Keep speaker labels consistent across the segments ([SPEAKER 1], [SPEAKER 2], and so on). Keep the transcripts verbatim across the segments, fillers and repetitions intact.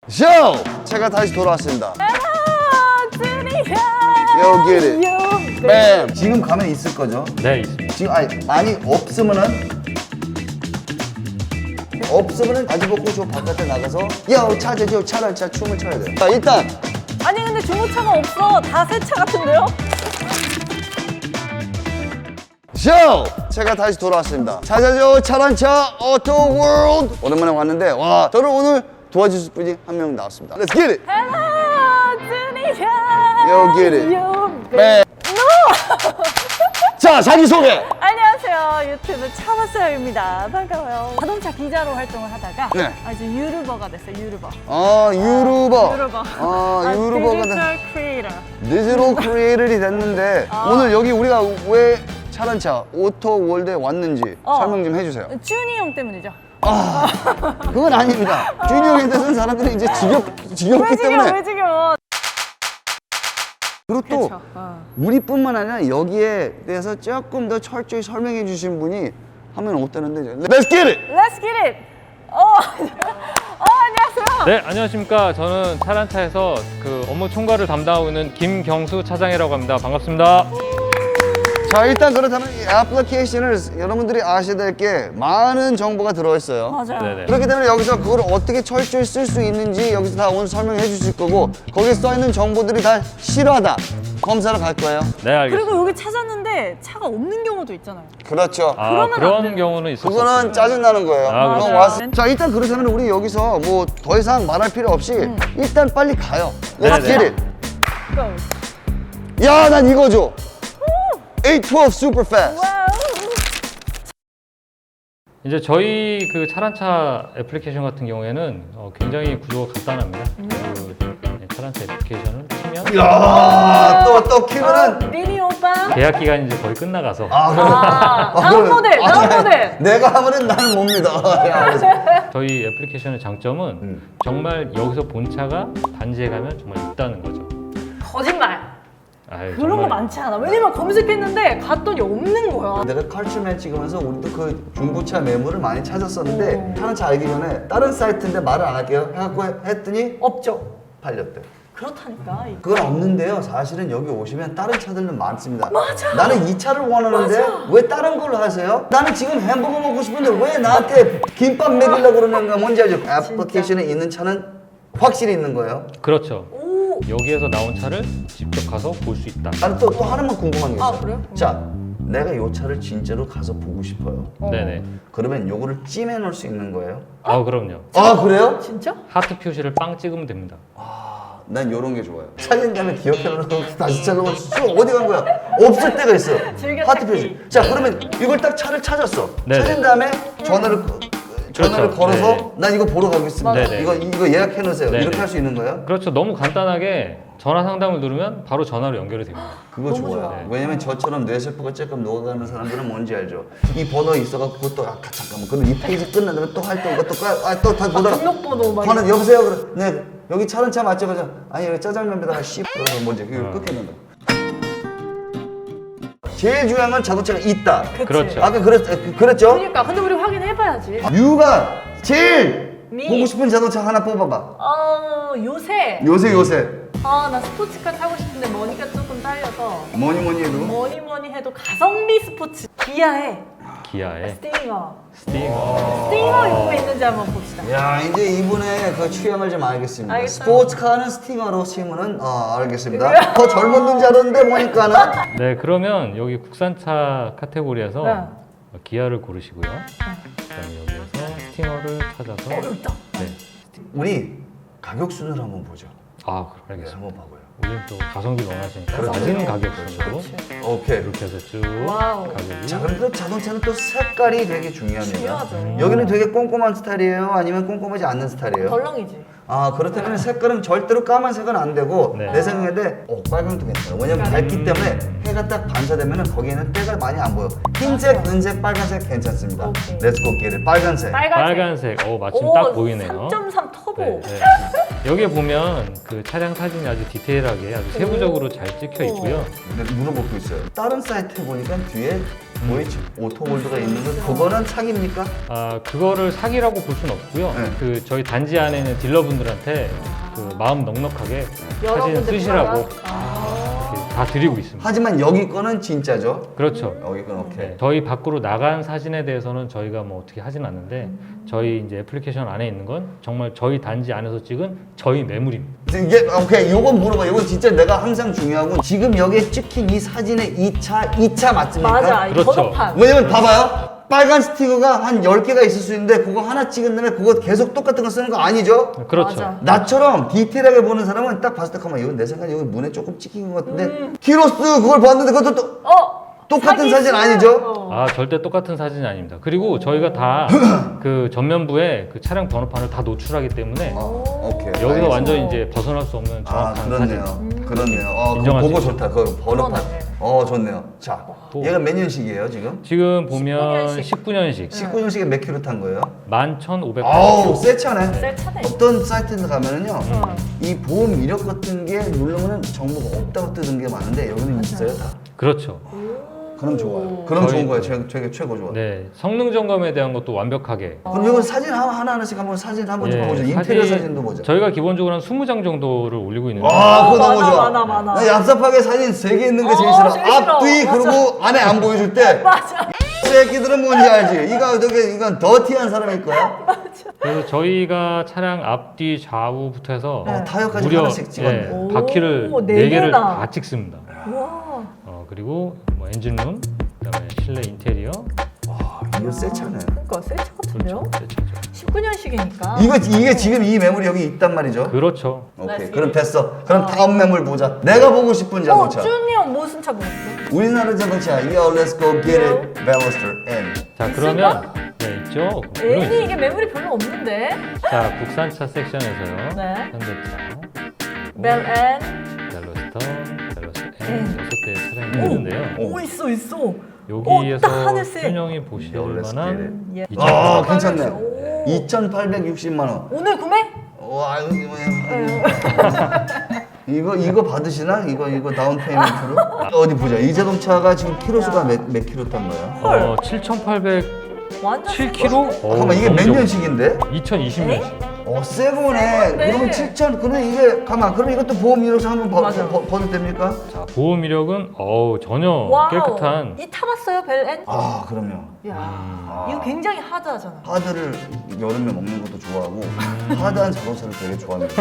[SPEAKER 1] 쇼! 제가 다시 돌아왔습니다.
[SPEAKER 2] Yo,
[SPEAKER 1] Yo, get it. 뱀! 지금 가면 있을 거죠?
[SPEAKER 3] 네, 있습니다.
[SPEAKER 1] 지금 아니 많이 없으면은 없으면은 바지 벗고 저 바깥에 나가서 야 찾아줘 차를 차 춤을 춰야 돼요. 자 일단
[SPEAKER 2] 아니 근데 중고차가 없어. 다 새 차 같은데요?
[SPEAKER 1] 쇼! 제가 다시 돌아왔습니다. 찾아줘 차란차 오토 월드. 오랜만에 왔는데 와 저를 오늘 도와주실 분이 한 명 나왔습니다. Let's get it.
[SPEAKER 2] Hello, 준이야.
[SPEAKER 1] Yo, get it.
[SPEAKER 2] Yo,
[SPEAKER 1] 뱀! 자 자기 소개.
[SPEAKER 2] 안녕하세요. 유튜브 차바스입니다. 반가워요. 자동차 기자로 활동을 하다가
[SPEAKER 1] 네.
[SPEAKER 2] 아주 유튜버가 됐어요. 유튜버.
[SPEAKER 1] 아 유튜버.
[SPEAKER 2] 유튜버.
[SPEAKER 1] 아 유튜버가 된.
[SPEAKER 2] 디지털 크리에이터.
[SPEAKER 1] 디지털 크리에이터이 됐는데
[SPEAKER 2] 아.
[SPEAKER 1] 오늘 여기 우리가 왜 차란차 오토 월드에 왔는지
[SPEAKER 2] 어.
[SPEAKER 1] 설명 좀 해주세요.
[SPEAKER 2] 준이 형 때문이죠.
[SPEAKER 1] 아 그건 아닙니다. 준이 형에 대해서는 사람들이 이제 지겹 지겹기
[SPEAKER 2] 왜 지겨?
[SPEAKER 1] 때문에
[SPEAKER 2] 왜 지겨?
[SPEAKER 1] 그리고 또
[SPEAKER 2] 그쵸. 어.
[SPEAKER 1] 우리뿐만 아니라 여기에 대해서 조금 더 철저히 설명해 주신 분이 하면 어떠는데 Let's get it!
[SPEAKER 2] Let's get it. 어, 어 안녕하세요.
[SPEAKER 3] 네, 안녕하십니까. 저는 차란차에서 그 업무 총괄을 담당하고 있는 김경수 차장이라고 합니다. 반갑습니다.
[SPEAKER 1] 자 일단 그렇다면 이 애플리케이션을 여러분들이 아셔야 될 게 많은 정보가 들어있어요.
[SPEAKER 2] 맞아요.
[SPEAKER 3] 네네.
[SPEAKER 1] 그렇기 때문에 여기서 그걸 어떻게 철저히 쓸 수 있는지 여기서 다 오늘 설명해 주실 거고 거기에 써있는 정보들이 다 실화다 검사를 갈 거예요.
[SPEAKER 3] 네, 알겠습니다.
[SPEAKER 2] 그리고 여기 찾았는데 차가 없는 경우도 있잖아요.
[SPEAKER 1] 그렇죠.
[SPEAKER 3] 아,
[SPEAKER 2] 그러면 안
[SPEAKER 3] 그런
[SPEAKER 2] 되는
[SPEAKER 3] 경우는 있을 수
[SPEAKER 1] 그거는
[SPEAKER 3] 없습니다.
[SPEAKER 1] 짜증나는 거예요.
[SPEAKER 3] 아,
[SPEAKER 1] 그럼
[SPEAKER 3] 그렇죠.
[SPEAKER 1] 왔- 자 일단 그렇다면 우리 여기서 뭐 더 이상 말할 필요 없이 일단 빨리 가요. Let's
[SPEAKER 3] 네네.
[SPEAKER 1] get it.
[SPEAKER 2] Go.
[SPEAKER 1] 야, 난 이거 줘. 에이트 십이 super fast.
[SPEAKER 2] 와우.
[SPEAKER 3] 이제 저희 그 차란차 애플리케이션 같은 경우에는 어, 굉장히 구조가 간단합니다. 그 네, 차란차 애플리케이션을 키면
[SPEAKER 1] 야, 또 또 키면은
[SPEAKER 2] 리니 오빠.
[SPEAKER 3] 계약 기간이 이제 거의 끝나가서
[SPEAKER 1] 아, 그럼
[SPEAKER 2] 아, 다음 모델, 다음 모델.
[SPEAKER 1] 내가 하면은 나는 못 믿어. 야, 그래서.
[SPEAKER 3] 저희 애플리케이션의 장점은
[SPEAKER 1] 음.
[SPEAKER 3] 정말 여기서 본 차가 단지에 가면 정말 있다는 거죠.
[SPEAKER 2] 거짓말.
[SPEAKER 3] 아유,
[SPEAKER 2] 그런 거
[SPEAKER 3] 정말
[SPEAKER 2] 많지 않아. 왜냐면 검색했는데 갔더니 없는 거야.
[SPEAKER 1] 내가 컬처맨 찍으면서 우리도 그 중고차 매물을 많이 찾았었는데
[SPEAKER 2] 오.
[SPEAKER 1] 하는 차 알기 전에 다른 사이트인데 말을 안 할게요. 해갖고 했더니
[SPEAKER 2] 없죠.
[SPEAKER 1] 팔렸대.
[SPEAKER 2] 그렇다니까.
[SPEAKER 1] 그건 없는데요. 사실은 여기 오시면 다른 차들은 많습니다.
[SPEAKER 2] 맞아.
[SPEAKER 1] 나는 이 차를 원하는데
[SPEAKER 2] 맞아.
[SPEAKER 1] 왜 다른 걸로 하세요? 나는 지금 햄버거 먹고 싶은데 왜 나한테 김밥 먹이려고 그러는가 뭔지 알죠? 애플리케이션에 있는 차는 확실히 있는 거예요.
[SPEAKER 3] 그렇죠.
[SPEAKER 2] 오.
[SPEAKER 3] 여기에서 나온 차를 직접 가서 볼 수 있다.
[SPEAKER 1] 나는 또, 또 하나만 궁금한 게 있어요.
[SPEAKER 2] 아, 그래요?
[SPEAKER 1] 자, 내가 이 차를 진짜로 가서 보고 싶어요.
[SPEAKER 2] 어.
[SPEAKER 3] 네네.
[SPEAKER 1] 그러면 요거를 찜해 놓을 수 있는 거예요?
[SPEAKER 3] 아, 그럼요.
[SPEAKER 1] 아, 그래요?
[SPEAKER 2] 진짜?
[SPEAKER 3] 하트 표시를 빵 찍으면 됩니다.
[SPEAKER 1] 난 요런 게 좋아요. 찾은 다음에 기억해놓고 다시 찾아보면 쭉 어디 간 거야? 없을 때가 있어.
[SPEAKER 2] 즐겨
[SPEAKER 1] 하트
[SPEAKER 2] 찾기.
[SPEAKER 1] 표시. 자, 그러면 이걸 딱 차를 찾았어.
[SPEAKER 3] 네네.
[SPEAKER 1] 찾은 다음에 전화를 거- 전화를
[SPEAKER 3] 그렇죠.
[SPEAKER 1] 걸어서
[SPEAKER 3] 네.
[SPEAKER 1] 난 이거 보러 가겠습니다.
[SPEAKER 3] 네네.
[SPEAKER 1] 이거 이거 예약해 놓으세요.
[SPEAKER 3] 네네.
[SPEAKER 1] 이렇게 할 수 있는 거예요?
[SPEAKER 3] 그렇죠. 너무 간단하게 전화 상담을 누르면 바로 전화로 연결이 됩니다.
[SPEAKER 1] 그거
[SPEAKER 2] 너무
[SPEAKER 1] 좋아요.
[SPEAKER 2] 좋아.
[SPEAKER 3] 네.
[SPEAKER 1] 왜냐면 저처럼 뇌세포가 조금 녹아가는 사람들은 뭔지 알죠? 이 번호 있어갖고 그것도 아 잠깐만. 근데 이 페이지 끝나면 또 할 때 이것도 아또다 보다가
[SPEAKER 2] 등록번호 막
[SPEAKER 1] 번호 여보세요. 그래. 네 여기 차는 차 맞죠? 그죠? 아니 여기 짜장면에다가 씨 그러면 뭔지 그걸 끊겠는다. 제일 중요한 건 자동차가 있다.
[SPEAKER 2] 그치.
[SPEAKER 3] 그렇죠.
[SPEAKER 1] 아까 그랬 그- 그랬죠?
[SPEAKER 2] 그러니까 근데 우리 확인해봐야지.
[SPEAKER 1] 유가 제일
[SPEAKER 2] 미.
[SPEAKER 1] 보고 싶은 자동차 하나 뽑아봐.
[SPEAKER 2] 어 요새
[SPEAKER 1] 요새 요새
[SPEAKER 2] 아 나 스포츠카 타고 싶은데 머니가 조금 딸려서
[SPEAKER 1] 뭐니 뭐니 해도
[SPEAKER 2] 뭐니 뭐니 해도 가성비 스포츠 기아의
[SPEAKER 3] 기아의
[SPEAKER 2] 스팅어
[SPEAKER 3] 스팅어.
[SPEAKER 2] 스팅어 입고 있는지 한번 봅시다.
[SPEAKER 1] 야 이제 이분의 그 취향을 좀 알겠습니다.
[SPEAKER 2] 알겠어요.
[SPEAKER 1] 스포츠카는 스팅어로 치면은 어 알겠습니다. 더 젊었는 줄 알았는데 보니까는
[SPEAKER 3] 네, 그러면 여기 국산차 카테고리에서
[SPEAKER 2] 네.
[SPEAKER 3] 기아를 고르시고요. 그다음에 여기에서 스팅어를 찾아서
[SPEAKER 2] 어렵다.
[SPEAKER 3] 네.
[SPEAKER 1] 우리 가격 순으로 한번 보죠.
[SPEAKER 3] 아, 그럼
[SPEAKER 1] 네,
[SPEAKER 3] 알겠습니다.
[SPEAKER 1] 한번 봐봐요.
[SPEAKER 3] 우리는 또 가성비 원하시니까
[SPEAKER 1] 그렇죠.
[SPEAKER 3] 낮은 가격 순으로
[SPEAKER 1] 오케이.
[SPEAKER 3] 이렇게 해서 쭉
[SPEAKER 2] 와우.
[SPEAKER 3] 가격이
[SPEAKER 1] 자 그럼 또 자동차는 또 색깔이 되게 중요합니다.
[SPEAKER 2] 중요하죠.
[SPEAKER 1] 여기는 되게 꼼꼼한 스타일이에요? 아니면 꼼꼼하지 않는 스타일이에요?
[SPEAKER 2] 덜렁이지.
[SPEAKER 1] 아 그렇다면 색깔은 절대로 까만색은 안 되고
[SPEAKER 3] 네.
[SPEAKER 1] 내 생각에 어 빨간도 괜찮아. 왜냐면 밝기 때문에 해가 딱 반사되면 거기에는 때가 많이 안 보여. 흰색, 은색, 빨간색 괜찮습니다.
[SPEAKER 2] 오케이.
[SPEAKER 1] 렛츠고 기를 빨간색.
[SPEAKER 2] 빨간색.
[SPEAKER 3] 빨간색. 어, 마침
[SPEAKER 2] 오,
[SPEAKER 3] 딱 보이네요.
[SPEAKER 2] 삼 점 삼 터보.
[SPEAKER 3] 네, 네. 여기에 보면 그 차량 사진이 아주 디테일하게 아주 세부적으로 잘 찍혀 있고요.
[SPEAKER 1] 근데 물어볼 게 있어요. 다른 사이트에 보니까 뒤에 도이치 오토월드가 있는 건 그거는 사기입니까?
[SPEAKER 3] 아 그거를 사기라고 볼 수는 없고요.
[SPEAKER 1] 네.
[SPEAKER 3] 그 저희 단지 안에 있는 딜러분들한테 그 마음 넉넉하게 사진
[SPEAKER 2] 여러분들
[SPEAKER 3] 쓰시라고
[SPEAKER 2] 보라고? 아.
[SPEAKER 3] 이렇게 다 드리고 있습니다.
[SPEAKER 1] 하지만 여기 거는 진짜죠?
[SPEAKER 3] 그렇죠.
[SPEAKER 1] 여기 건 오케이.
[SPEAKER 3] 네, 저희 밖으로 나간 사진에 대해서는 저희가 뭐 어떻게 하진 않는데 저희 이제 애플리케이션 안에 있는 건 정말 저희 단지 안에서 찍은 저희 매물입니다.
[SPEAKER 1] 이게 오케이 요건 물어봐. 요건 진짜 내가 항상 중요한 건 지금 여기에 찍힌 이 사진의 이 차, 이 차 맞습니까?
[SPEAKER 2] 맞아. 이
[SPEAKER 3] 그렇죠.
[SPEAKER 2] 번호판.
[SPEAKER 1] 왜냐면 봐봐요. 빨간 스티커가 한 열 개가 있을 수 있는데 그거 하나 찍은 다음에 그거 계속 똑같은 거 쓰는 거 아니죠?
[SPEAKER 3] 그렇죠.
[SPEAKER 2] 맞아.
[SPEAKER 1] 나처럼 디테일하게 보는 사람은 딱 봤을 때 가만 이건 내 생각에 여기 문에 조금 찍힌 것 같은데
[SPEAKER 2] 음.
[SPEAKER 1] 키로스 그걸 봤는데 그것도 또
[SPEAKER 2] 어.
[SPEAKER 1] 똑같은
[SPEAKER 2] 사기
[SPEAKER 1] 사진
[SPEAKER 2] 쓰는-
[SPEAKER 1] 아니죠?
[SPEAKER 2] 어.
[SPEAKER 3] 아 절대 똑같은 사진이 아닙니다. 그리고 저희가 다 그 전면부에 그 차량 번호판을 다 노출하기 때문에
[SPEAKER 1] 어, 오케이.
[SPEAKER 3] 여기서
[SPEAKER 1] 알겠습니다.
[SPEAKER 3] 완전 이제 벗어날 수 없는
[SPEAKER 1] 아
[SPEAKER 3] 정확한
[SPEAKER 1] 그렇네요.
[SPEAKER 3] 사진.
[SPEAKER 1] 그렇네요. 어, 그거
[SPEAKER 3] 인정할
[SPEAKER 1] 보고
[SPEAKER 3] 수
[SPEAKER 1] 좋다. 그 번호판.
[SPEAKER 2] 그러네.
[SPEAKER 1] 어 좋네요. 자,
[SPEAKER 3] 또.
[SPEAKER 1] 얘가 몇 년식이에요 지금?
[SPEAKER 3] 지금 보면
[SPEAKER 2] 년식.
[SPEAKER 3] 십구 년식
[SPEAKER 1] 십구 년식에 몇 킬로 탄 거예요?
[SPEAKER 3] 만 천오백
[SPEAKER 1] 아우 새 차네.
[SPEAKER 2] 새 차네.
[SPEAKER 1] 어떤 사이트에 가면은요,
[SPEAKER 2] 어.
[SPEAKER 1] 이 보험 이력 같은 게 누르면은 정보가 없다고 뜨는 게 많은데 여기는 있어요 다.
[SPEAKER 3] 그렇죠.
[SPEAKER 1] 그럼 좋아요. 그럼
[SPEAKER 3] 저희-
[SPEAKER 1] 좋은 거예요. 최, 최, 최고 좋아.
[SPEAKER 3] 네 성능 점검에 대한 것도 완벽하게.
[SPEAKER 1] 그럼 이거 사진 하나 하나 하나씩 한번 사진 한번 좀
[SPEAKER 3] 예,
[SPEAKER 1] 보죠. 인테리어 사진도 보자.
[SPEAKER 3] 저희가 기본적으로 한 이십 장 정도를 올리고 있는데
[SPEAKER 1] 아, 그거 너무
[SPEAKER 2] 많아,
[SPEAKER 1] 좋아.
[SPEAKER 2] 많아, 많아.
[SPEAKER 1] 나 얍삽하게 사진 세 개 있는 게 제일
[SPEAKER 2] 어,
[SPEAKER 1] 싫어.
[SPEAKER 2] 제일 싫어.
[SPEAKER 1] 앞, 뒤,
[SPEAKER 2] 맞아.
[SPEAKER 1] 그리고 안에 안 보여줄 때.
[SPEAKER 2] 맞아.
[SPEAKER 1] 새끼들은 뭔지 알지? 이거 저게 이건 더티한 사람일 거야.
[SPEAKER 3] 그래서 저희가 차량 앞뒤 좌우부터 해서
[SPEAKER 1] 어, 타이어까지
[SPEAKER 3] 무려
[SPEAKER 1] 하나씩 찍었네.
[SPEAKER 3] 예,
[SPEAKER 2] 오,
[SPEAKER 3] 바퀴를
[SPEAKER 2] 네
[SPEAKER 3] 네 개를
[SPEAKER 2] 개나.
[SPEAKER 3] 다 찍습니다.
[SPEAKER 2] 와.
[SPEAKER 3] 어, 그리고 뭐 엔진룸, 그다음에 실내 인테리어,
[SPEAKER 1] 와, 이거 새 차네.
[SPEAKER 2] 그러니까 새 차 같은데요?
[SPEAKER 3] 그렇죠. 새 차죠.
[SPEAKER 2] 십구 년식이니까.
[SPEAKER 1] 이거 이게 지금 이 매물이 여기 있단 말이죠.
[SPEAKER 3] 그렇죠.
[SPEAKER 1] 오케이. 그럼 됐어. 그럼 다음 매물 보자. 내가 보고 싶은
[SPEAKER 2] 어,
[SPEAKER 1] 자동차.
[SPEAKER 2] 준이 형 무슨 차 보셨어?
[SPEAKER 1] 우리나라 자동차. Yo, let's go get it. Veloster N.
[SPEAKER 3] 자
[SPEAKER 2] 있을까?
[SPEAKER 3] 그러면 네 있죠. 물론
[SPEAKER 2] N이
[SPEAKER 3] 있죠.
[SPEAKER 2] 이게 매물이 별로 없는데.
[SPEAKER 3] 자 국산차 섹션에서요.
[SPEAKER 2] 네.
[SPEAKER 3] 현대차,
[SPEAKER 2] 벨 N.
[SPEAKER 3] 벨로스터, 벨로스터
[SPEAKER 2] 음.
[SPEAKER 3] N 여섯 대의 차량이 있는데요.
[SPEAKER 1] 오.
[SPEAKER 2] 오 있어 있어.
[SPEAKER 3] 여기에서
[SPEAKER 2] 딱 하늘색.
[SPEAKER 3] 준영이 보실
[SPEAKER 1] 벨로스터
[SPEAKER 3] 만한
[SPEAKER 2] 예.
[SPEAKER 3] 이 차.
[SPEAKER 1] 아,
[SPEAKER 2] 오.
[SPEAKER 1] 괜찮네. 이천팔백육십만 원.
[SPEAKER 2] 오늘 구매?
[SPEAKER 1] 와, 이거 뭐야. 이거 이거 받으시나? 이거 이거 다운 페이먼트로? 어디 보자. 이 자동차가 지금 키로수가 몇, 몇 킬로 탄 거야?
[SPEAKER 2] 헐.
[SPEAKER 3] 어, 칠천팔백
[SPEAKER 2] 완전
[SPEAKER 3] 칠 킬로미터?
[SPEAKER 1] 잠깐만 이게 몇 년식인데?
[SPEAKER 3] 이천이십 년식.
[SPEAKER 1] 어, 새 거네.
[SPEAKER 2] 네.
[SPEAKER 1] 그러면 칠천, 그러면 이게, 가만, 그럼 이것도 보험 이력서 한번 버,
[SPEAKER 2] 맞아.
[SPEAKER 1] 버, 버도 됩니까?
[SPEAKER 3] 자, 보험 이력은 어우 전혀
[SPEAKER 2] 와우.
[SPEAKER 3] 깨끗한.
[SPEAKER 2] 이 타봤어요 벨 N?
[SPEAKER 1] 아, 그럼요.
[SPEAKER 2] 야 이거 굉장히 하드하잖아.
[SPEAKER 1] 하드를 여름에 먹는 것도 좋아하고, 하드한 자동차를 되게 좋아합니다.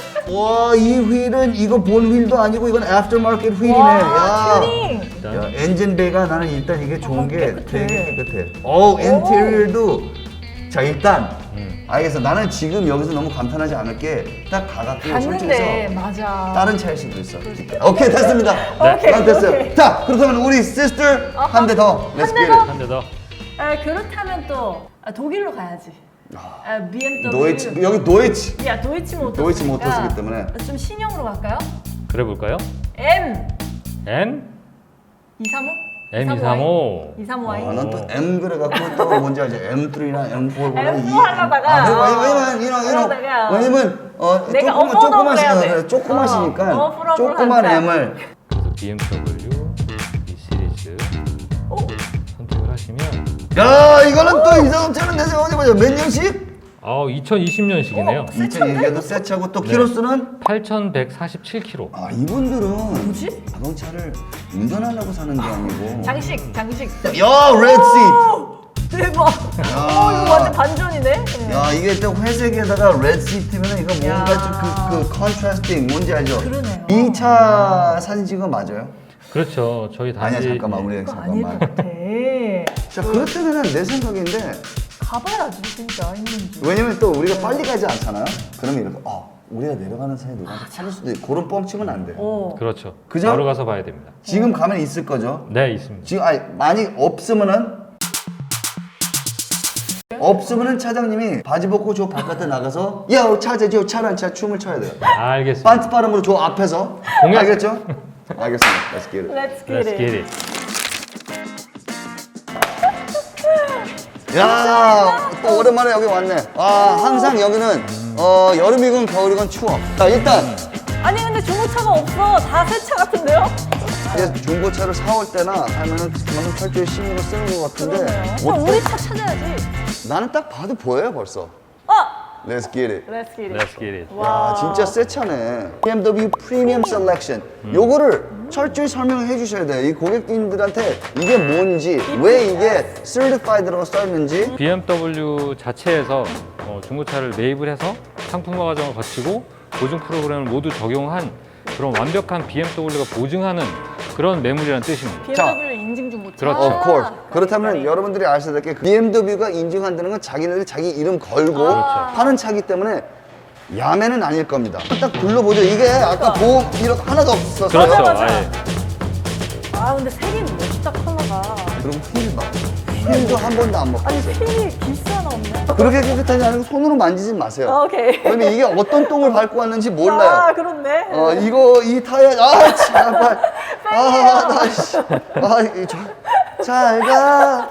[SPEAKER 1] 와, 이 휠은, 이거 본 휠도 아니고, 이건 애프터마켓 휠이네.
[SPEAKER 2] 와
[SPEAKER 1] 야.
[SPEAKER 2] 튜닝.
[SPEAKER 3] 일단
[SPEAKER 1] 야, 엔진 베이가 나는 일단 이게 좋은 게
[SPEAKER 2] 깨끗해.
[SPEAKER 1] 되게 깨끗해. 어우, 인테리어도. 자, 일단,
[SPEAKER 3] 음.
[SPEAKER 1] 알겠어. 나는 지금 여기서 너무 감탄하지 않을 게, 딱 가갖고
[SPEAKER 2] 봤는데
[SPEAKER 1] 설정해서
[SPEAKER 2] 맞아.
[SPEAKER 1] 다른 차일 수도 있어. 오케이, 됐습니다.
[SPEAKER 2] 오케이,
[SPEAKER 1] 난 됐어요.
[SPEAKER 2] 오케이.
[SPEAKER 1] 자, 그렇다면 우리 시스터 한 대 더.
[SPEAKER 2] 한
[SPEAKER 1] Let's
[SPEAKER 2] 대
[SPEAKER 1] get
[SPEAKER 2] 더?
[SPEAKER 1] it.
[SPEAKER 3] 한 대 더.
[SPEAKER 2] 아, 그렇다면 또 아, 독일로 가야지. 아, 비엠더블유.
[SPEAKER 1] 도이치, 여기 도이치.
[SPEAKER 2] 야 도이치 모터스.
[SPEAKER 1] 도이치 모터스이기 때문에.
[SPEAKER 2] 좀 신형으로 갈까요?
[SPEAKER 3] 그래 볼까요?
[SPEAKER 2] M
[SPEAKER 3] M
[SPEAKER 2] 이삼오?
[SPEAKER 3] M 이삼오.
[SPEAKER 2] 이삼오
[SPEAKER 1] 아,
[SPEAKER 2] Y.
[SPEAKER 1] 난 또 M 그래갖고 또 뭔지 알지? 엠 쓰리나 엠 포보다
[SPEAKER 2] 엠 포 하려다가.
[SPEAKER 1] 아, 왜냐면, 왜냐면, 이런, 이런,
[SPEAKER 2] 그러다가.
[SPEAKER 1] 왜냐면, 어,
[SPEAKER 2] 내가
[SPEAKER 1] 조그만,
[SPEAKER 2] 어퍼더블
[SPEAKER 1] 조그만,
[SPEAKER 2] 해야 돼.
[SPEAKER 1] 시- 조그마시니까,
[SPEAKER 2] 어, 어퍼더블
[SPEAKER 1] 조그만
[SPEAKER 2] 하자.
[SPEAKER 1] M을.
[SPEAKER 3] 그래서 비엠더블유 이 시리즈
[SPEAKER 2] 오.
[SPEAKER 3] 선택을 하시면
[SPEAKER 1] 야, 이거는 또 이 자동차는 내 생각에 보자. 몇 년씩?
[SPEAKER 3] 아 이천이십 년식이네요.
[SPEAKER 2] 어.
[SPEAKER 1] 이천이십도 새 차고 또 키로수는?
[SPEAKER 3] 팔천백사십칠 킬로미터.
[SPEAKER 1] 아, 이분들은
[SPEAKER 2] 뭐지?
[SPEAKER 1] 자동차를 운전하려고 사는 게 아니고.
[SPEAKER 2] 장식 장식.
[SPEAKER 1] 야, 레드
[SPEAKER 2] 오, 대박.
[SPEAKER 1] 야.
[SPEAKER 2] 오 이거 완전 반전이네.
[SPEAKER 1] 시트. 야, 이게 또 회색에다가 레드 시트면 이거 뭔가
[SPEAKER 2] 야.
[SPEAKER 1] 좀 그, 그 컨트라스팅 뭔지 알죠?
[SPEAKER 2] 그러네요.
[SPEAKER 1] 이 차 사진 찍은 거 맞아요?
[SPEAKER 3] 그렇죠. 저희 단지
[SPEAKER 1] 아니야, 잠깐만, 우리
[SPEAKER 2] 그거 아닐 것
[SPEAKER 1] 잠깐만.
[SPEAKER 2] 같아.
[SPEAKER 1] 자, 그렇다면 내 생각인데,
[SPEAKER 2] 가봐야지 진짜 있는지.
[SPEAKER 1] 왜냐면 또 우리가 빨리 가지 않잖아요? 그러면 이렇게, 어, 우리가 내려가는 사이에 누구한테 찾을 수도 있고, 그런 뻥치면 안 돼요.
[SPEAKER 2] 오.
[SPEAKER 3] 그렇죠.
[SPEAKER 1] 그죠?
[SPEAKER 3] 바로 가서 봐야 됩니다.
[SPEAKER 1] 지금 가면 있을 거죠?
[SPEAKER 3] 네 있습니다.
[SPEAKER 1] 지금, 아니, 만약 없으면은, 없으면은 차장님이 바지 벗고 저 바깥에 나가서, 야, 차제, 저 차란 차 춤을 춰야 돼요.
[SPEAKER 3] 알겠습니다.
[SPEAKER 1] 반트 발음으로 저 앞에서.
[SPEAKER 3] 공약.
[SPEAKER 1] 알겠죠? 알겠습니다. Let's get it.
[SPEAKER 2] Let's get
[SPEAKER 3] Let's
[SPEAKER 2] it.
[SPEAKER 3] get it.
[SPEAKER 1] 야, 또 오랜만에 여기 왔네. 아, 항상 여기는 어, 여름이건 겨울이건 추워. 자, 일단
[SPEAKER 2] 아니 근데 중고차가 없어. 다 새 차 같은데요?
[SPEAKER 1] 이제 중고차를 사올 때나 하면은 그만큼 철저히 신경을 쓰는 것 같은데
[SPEAKER 2] 그러네요. 그럼
[SPEAKER 1] 어때?
[SPEAKER 2] 우리 차 찾아야지.
[SPEAKER 1] 나는 딱 봐도 보여요 벌써.
[SPEAKER 2] 아!
[SPEAKER 1] Let's get it.
[SPEAKER 2] Let's get it.
[SPEAKER 3] Let's get it.
[SPEAKER 1] 야, 진짜 새 차네. 비엠더블유 프리미엄 셀렉션. 요거를 철저히 설명을 해주셔야 돼요. 이 고객님들한테 이게 뭔지, 왜 이게 certified라고 써있는지.
[SPEAKER 3] 비엠더블유 자체에서 어, 중고차를 매입을 해서 상품화 과정을 거치고 보증 프로그램을 모두 적용한 그런 완벽한 비엠더블유가 보증하는 그런 매물이라는 뜻입니다.
[SPEAKER 2] 비엠더블유 인증 중고차.
[SPEAKER 3] 그렇죠.
[SPEAKER 1] Of course.
[SPEAKER 2] 아,
[SPEAKER 1] 그렇다면
[SPEAKER 2] 그러니까.
[SPEAKER 1] 여러분들이 아셔야 될 게 비엠더블유가 인증한다는 건 자기네들이 자기 이름 걸고
[SPEAKER 2] 아.
[SPEAKER 1] 파는 차기 때문에 야매는 아닐 겁니다. 딱 둘러보죠. 이게 아까 보험 이력 하나도 없었어요.
[SPEAKER 3] 그렇죠.
[SPEAKER 2] 맞아.
[SPEAKER 3] 아예.
[SPEAKER 2] 아 근데 색이 멋있다 컬러가.
[SPEAKER 1] 그리고 휠 봐. 휠도 한 번도 안
[SPEAKER 2] 아니
[SPEAKER 1] 먹었어요.
[SPEAKER 2] 휠이 기스 하나 없네.
[SPEAKER 1] 그렇게 깨끗하지 않고 손으로 만지지 마세요.
[SPEAKER 2] 아, 오케이.
[SPEAKER 1] 왜냐면 이게 어떤 똥을 밟고 왔는지 몰라요.
[SPEAKER 2] 아 그렇네.
[SPEAKER 1] 어, 이거, 이 타이어, 아, 제발. 아, 나, 씨. 아, 이, 저, 잘 가.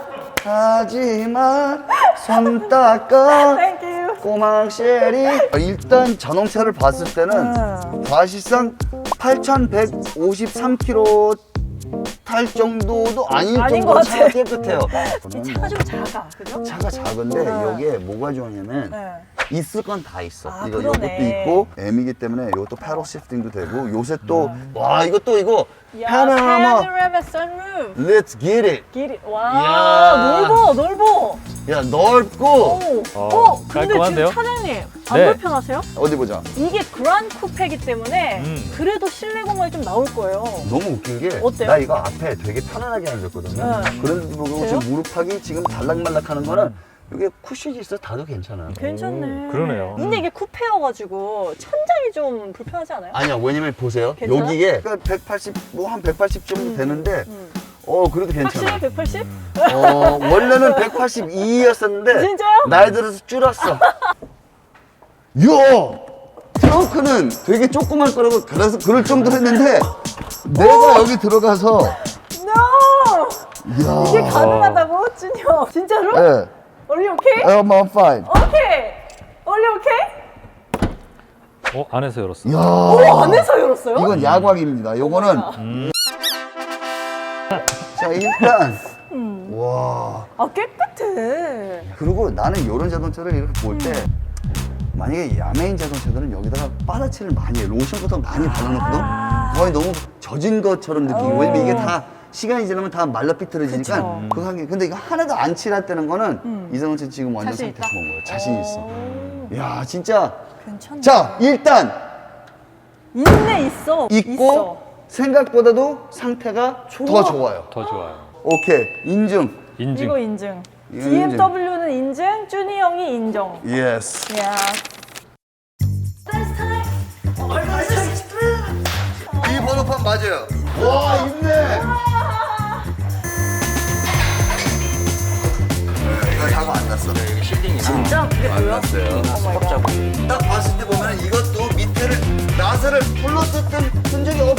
[SPEAKER 1] 하지만, 손 닦아.
[SPEAKER 2] 땡큐.
[SPEAKER 1] 꼬막 쉐리. 일단 자동차를 봤을 때는
[SPEAKER 2] 음.
[SPEAKER 1] 사실상 팔천백오십삼 킬로미터 탈 정도도 아닐
[SPEAKER 2] 아닌
[SPEAKER 1] 정도로
[SPEAKER 2] 것
[SPEAKER 1] 차가
[SPEAKER 2] 같아.
[SPEAKER 1] 깨끗해요.
[SPEAKER 2] 이 차가 좀 작아, 그죠?
[SPEAKER 1] 차가 작은데
[SPEAKER 2] 음.
[SPEAKER 1] 여기에 뭐가 좋으냐면
[SPEAKER 2] 네.
[SPEAKER 1] 있을 건 다 있어.
[SPEAKER 2] 아,
[SPEAKER 1] 이거
[SPEAKER 2] 그러네.
[SPEAKER 1] 이것도 있고 M이기 때문에 이것도 패럴 시프팅도 되고 요새 또 와 이것도 이거
[SPEAKER 2] 야,
[SPEAKER 1] 파노라마
[SPEAKER 2] 파노라마 선루프.
[SPEAKER 1] Let's get it.
[SPEAKER 2] 길이.
[SPEAKER 1] 이야.
[SPEAKER 2] 와, 넓어, 넓어.
[SPEAKER 1] 야 넓고
[SPEAKER 2] 오,
[SPEAKER 3] 어,
[SPEAKER 2] 어, 근데
[SPEAKER 3] 깔끔한데요?
[SPEAKER 2] 지금 차장님 안
[SPEAKER 3] 네.
[SPEAKER 2] 불편하세요?
[SPEAKER 1] 어디 보자.
[SPEAKER 2] 이게 그란 쿠페이기 때문에
[SPEAKER 3] 음.
[SPEAKER 2] 그래도 실내 공간이 좀 나올 거예요.
[SPEAKER 1] 너무 웃긴 게
[SPEAKER 2] 어때요?
[SPEAKER 1] 나 이거 앞에 되게 편안하게 앉았거든요.
[SPEAKER 2] 네.
[SPEAKER 1] 그런데도 불구하고
[SPEAKER 2] 그래요?
[SPEAKER 1] 지금 무릎팍이 지금 달락말락하는 거는 이게 쿠션이 있어 다도 괜찮아.
[SPEAKER 2] 괜찮네.
[SPEAKER 3] 오, 그러네요.
[SPEAKER 2] 근데 이게 쿠페여가지고 천장이 좀 불편하지 않아요?
[SPEAKER 1] 아니야 왜냐면 보세요
[SPEAKER 2] 괜찮아?
[SPEAKER 1] 여기에 백팔십 뭐 한 백팔십 정도 되는데
[SPEAKER 2] 음.
[SPEAKER 1] 어 그래도 괜찮아.
[SPEAKER 2] 확실히 백팔십?
[SPEAKER 1] 어 원래는 백팔십이였었는데
[SPEAKER 2] 진짜요?
[SPEAKER 1] 나이 들어서 줄었어. 야 트렁크는 되게 조그만 거라고 그래서 그럴 정도로 했는데 내가 여기 들어가서
[SPEAKER 2] No!
[SPEAKER 1] 야
[SPEAKER 2] 이게 가능하다고? 준영 진짜로?
[SPEAKER 1] 예.
[SPEAKER 2] Are you okay?
[SPEAKER 1] I'm I'm fine.
[SPEAKER 2] Okay. Are you okay?
[SPEAKER 3] 어, 안에서 열었어.
[SPEAKER 1] 야
[SPEAKER 2] 오, 안에서 열었어요?
[SPEAKER 1] 이건 야광입니다. 요거는
[SPEAKER 3] 음.
[SPEAKER 1] 자 일단
[SPEAKER 2] 음.
[SPEAKER 1] 와
[SPEAKER 2] 아 깨끗해.
[SPEAKER 1] 그리고 나는 이런 자동차를 이렇게 볼 때 만약에 야매인 자동차들은 여기다가 빠다치를 많이 해 로션 같은 거 많이 발라놓거든
[SPEAKER 2] 아.
[SPEAKER 1] 거의 너무 젖은 것처럼 느끼고
[SPEAKER 2] 어.
[SPEAKER 1] 왜냐면 이게 다 시간이 지나면 다 말라 삐뚤어지니까
[SPEAKER 2] 그쵸.
[SPEAKER 1] 그거 한 게 근데 이거 하나도 안 칠했다는 거는
[SPEAKER 2] 음.
[SPEAKER 1] 이 자동차 지금 완전
[SPEAKER 2] 자신
[SPEAKER 1] 상태
[SPEAKER 2] 있다?
[SPEAKER 1] 좋은 거예요 자신 있어
[SPEAKER 2] 오,
[SPEAKER 1] 야 진짜
[SPEAKER 2] 괜찮네.
[SPEAKER 1] 자 일단
[SPEAKER 2] 있네 있어.
[SPEAKER 1] 있고
[SPEAKER 2] 있어.
[SPEAKER 1] 생각보다도 상태가
[SPEAKER 2] 좋아.
[SPEAKER 1] 더 좋아요
[SPEAKER 3] 더 좋아요.
[SPEAKER 1] 오케이 인증
[SPEAKER 3] 인증.
[SPEAKER 2] 이거 인증.
[SPEAKER 1] 이거
[SPEAKER 2] 비엠더블유는 인증, 쭈니 형이 인정.
[SPEAKER 1] 예스
[SPEAKER 2] 야.
[SPEAKER 1] 이 번호판 맞아요 와 있네 이거 사고 안 났어
[SPEAKER 2] 진짜 그게 뭐야?
[SPEAKER 1] 딱 봤을 때 보면 이것도 밑에를 나사를 풀로 뜯던 흔적이